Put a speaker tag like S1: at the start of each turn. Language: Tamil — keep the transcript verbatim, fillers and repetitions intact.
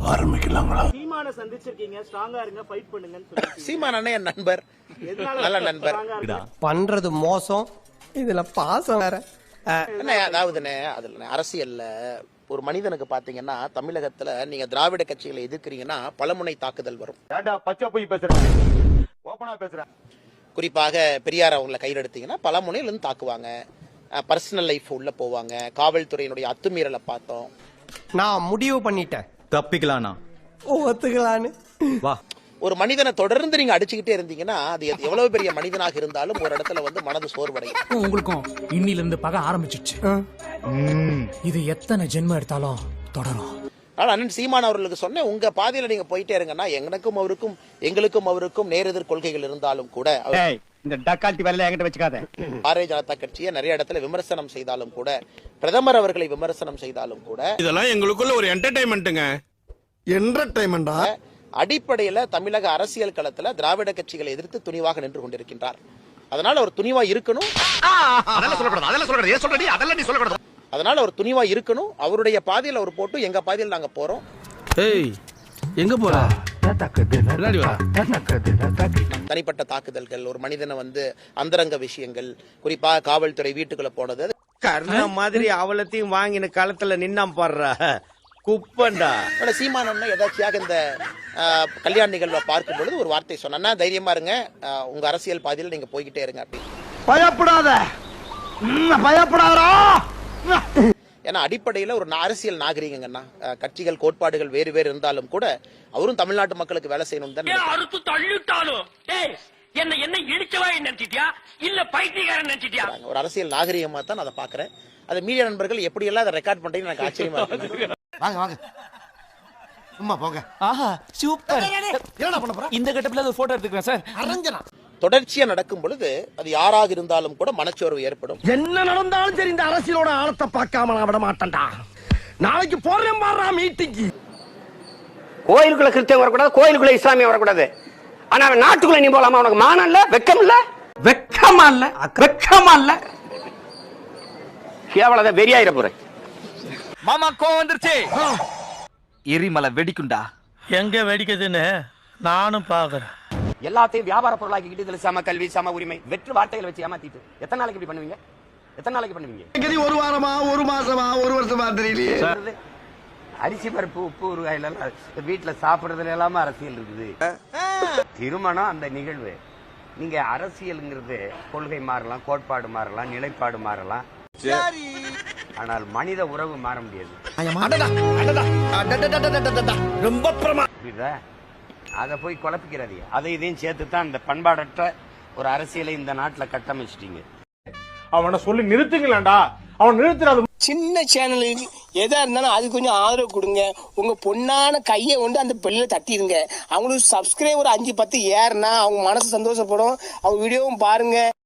S1: ஆரம்பிக்கலாங்களா?
S2: சீமான சந்திச்சிருக்கீங்க, ஸ்ட்ராங்கா இருங்க, ஃபைட் பண்ணுங்கன்னு சொல்லிருக்கீங்க.
S3: சீமான் அண்ணன் என் நண்பர், நல்ல நண்பர்.
S4: பண்றது மோசம், இதுல பாசம் வேற.
S3: என்ன அதாவதுண்ணே, அதுல அரசியல்ல ஒரு மனிதனுக்கு பாத்தீங்கன்னா தமிழகத்துல நீங்க திராவிட கட்சிகளை எதிர்க்கிறீங்கன்னா பலமுனை தாக்குதல் வரும். குறிப்பாக பெரியார் அவங்களை கையில் எடுத்தீங்கன்னா பல முனையில இருந்து தாக்குவாங்க. பர்சனல் லைஃப் உள்ள போவாங்க. காவல்துறையினுடைய அத்துமீறலை பார்த்தோம்.
S4: நான் முடிவு பண்ணிட்டேன்,
S5: தப்பிக்கலானா
S4: ஒத்துக்கலான்னு.
S5: வா,
S3: ஒரு மனிதனை தொடர்ந்து நீங்க அடிச்சுக்கிட்டே இருந்தீங்கன்னா அது எவ்வளவு பெரிய மனிதனாக இருந்தாலும் ஒரு இடத்துல வந்து மனது சோர்வடையும்.
S6: உங்களுக்கும் இன்னில இருந்து பகை ஆரம்பிச்சிடுச்சு. இது எத்தனை ஜென்மம் எடுத்தாலும் தொடரும்.
S3: ஆனால் அண்ணன் சீமான் அவர்களுக்கு சொன்னேன், உங்க பாதையில நீங்க போயிட்டே இருங்கன்னா எனக்கும் அவருக்கும் எங்களுக்கும் அவருக்கும் நேரெதிர் கொள்கைகள் இருந்தாலும் கூட
S7: இந்த டக்கால்ட்டி வேலையில என்கிட்ட வச்சுக்காத.
S3: பாரதிய ஜனதா கட்சியை நிறைய இடத்துல விமர்சனம் செய்தாலும் கூட, பிரதமர் அவர்களை விமர்சனம் செய்தாலும் கூட,
S1: இதெல்லாம் எங்களுக்குள்ள ஒரு என்டர்டைன்மெண்ட்டுங்க. என்டர்டைன்மெண்டா?
S3: அடிப்படையில தமிழக அரசியல் களத்துல திராவிட கட்சிகளை எதிர்த்து துணிவாக நின்று கொண்டிருக்கின்றார். அதனால அவர் துணிவா இருக்கணும். அதனால அவர் துணிவா இருக்கணும். அவருடைய பாதையில் அவர் போட்டு எங்க பாதையில் நாங்க போறோம்.
S5: எங்க போற?
S3: தனிப்பட்ட தாக்குதல்கள், ஒரு மனிதனை வந்து அந்தரங்க விஷயங்கள், குறிப்பா காவல்துறை வீட்டுக்குள்ள போனது,
S7: கர்ண மாதிரி அவலத்தையும் வாங்கின காலத்துல நின்னாம் பாடுறா குப்பண்டா.
S3: சீமான் எதாச்சியாக இந்த கல்யாண நிகழ்வை பார்க்கும் பொழுது ஒரு வார்த்தை சொன்னா, தைரியமா இருங்க, உங்க அரசியல் பாதையில் நீங்க போய்கிட்டே இருங்க அப்படின்னு.
S7: பயப்படாத பயப்படாதா.
S3: ஏன்னா அடிப்படையில் ஒரு அரசியல் நாகரிகங்கன்னா, கட்சிகள் கோட்பாடுகள் வேறு வேறு இருந்தாலும் கூட அவரும் தமிழ்நாட்டு மக்களுக்கு வேலை செய்யணும் தான். ஒரு அரசியல் நாகரிகமா தான் அதை பாக்குறேன். அதை மீடியா நண்பர்கள் எப்படி எல்லாம் அதை ரெக்கார்ட் பண்றீங்கன்னு எனக்கு ஆச்சரியமா இருக்கு.
S7: வாங்க வாங்க சும்மா போங்க.
S6: ஆஹா சூப்பர். என்னடா பண்ணப் போற? இந்த கட்டப்ல ஒரு போட்டோ எடுத்துக்கிறேன் சார். அரஞ்சனா.
S3: தொடர்ச்சியா நடக்கும் பொழுது அது யாராக இருந்தாலும் கூட மனச்சோர்வு ஏற்படும்.
S7: என்ன நடந்தாலும் சரி, இந்த அரசியலோட ஆழத்தை பார்க்காம நான் விட மாட்டேன்டா. நாளைக்கு போறேன் பாறா மீட்டிங்கு.
S8: கோயிலுக்குள்ள கிறிஸ்தவம் வரக்கூடாது, கோயிலுக்குள்ள இஸ்லாமியம் வரக்கூடாது. ஆனா நாட்டுக்குள்ள நீ போலாமா? உனக்கு மானம் இல்ல, வெக்கம் இல்ல? வெக்கமா இல்ல, வெக்கமா இல்ல. கேவலத வெறியாயிர போறேன்.
S6: மாமா கோவம் வந்துருச்சு.
S5: எரிமலை வெடிக்குண்டா.
S6: எங்க வெடிக்குதுன்னு நானும் பாக்குறேன்.
S8: எல்லாத்தையும் வியாபார பொருளாக்கிட்டு இதுல சம கல்வி சம உரிமை வெற்று வார்த்தைகளை வச்சு ஏமாத்திட்டு எத்தனை நாளைக்கு இப்படி பண்ணுவீங்க? எத்தனை நாளைக்கு பண்ணுவீங்க?
S7: ஒரு வாரமா, ஒரு மாசமா, ஒரு வருஷமா தெரியலையே.
S8: அரிசி பருப்பு உப்பு ஊறுகாயில வீட்டுல சாப்பிடுறதுல எல்லாமே அரசியல் இருக்குது. திருமணம் அந்த நிகழ்வு. நீங்க அரசியல்ங்கிறது கொள்கை மாறலாம், கோட்பாடு மாறலாம், நிலைப்பாடு மாறலாம், ஆனால் மனித உறவு மாற முடியாது.
S7: ரொம்ப
S8: புரியுதா? அதை போய் குழப்பிக்கிறாரு. அதை இதையும் சேர்த்து தான் இந்த பண்பாடற்ற ஒரு அரசியலை இந்த நாட்டுல கட்டமைச்சிட்டீங்க.
S9: அவனை சொல்லி நிறுத்துங்களேன்டா, அவன் நிறுத்துறாது.
S4: சின்ன சேனலுக்கு எதா இருந்தாலும் அது கொஞ்சம் ஆதரவு கொடுங்க. உங்க பொண்ணான கையை கொண்டு அந்த பெல்ல தட்டிடுங்க. அவங்களுக்கு சப்ஸ்கிரைபர் அஞ்சு பத்து ஏறுனா அவங்க மனசு சந்தோஷப்படும். அவங்க வீடியோவும் பாருங்க.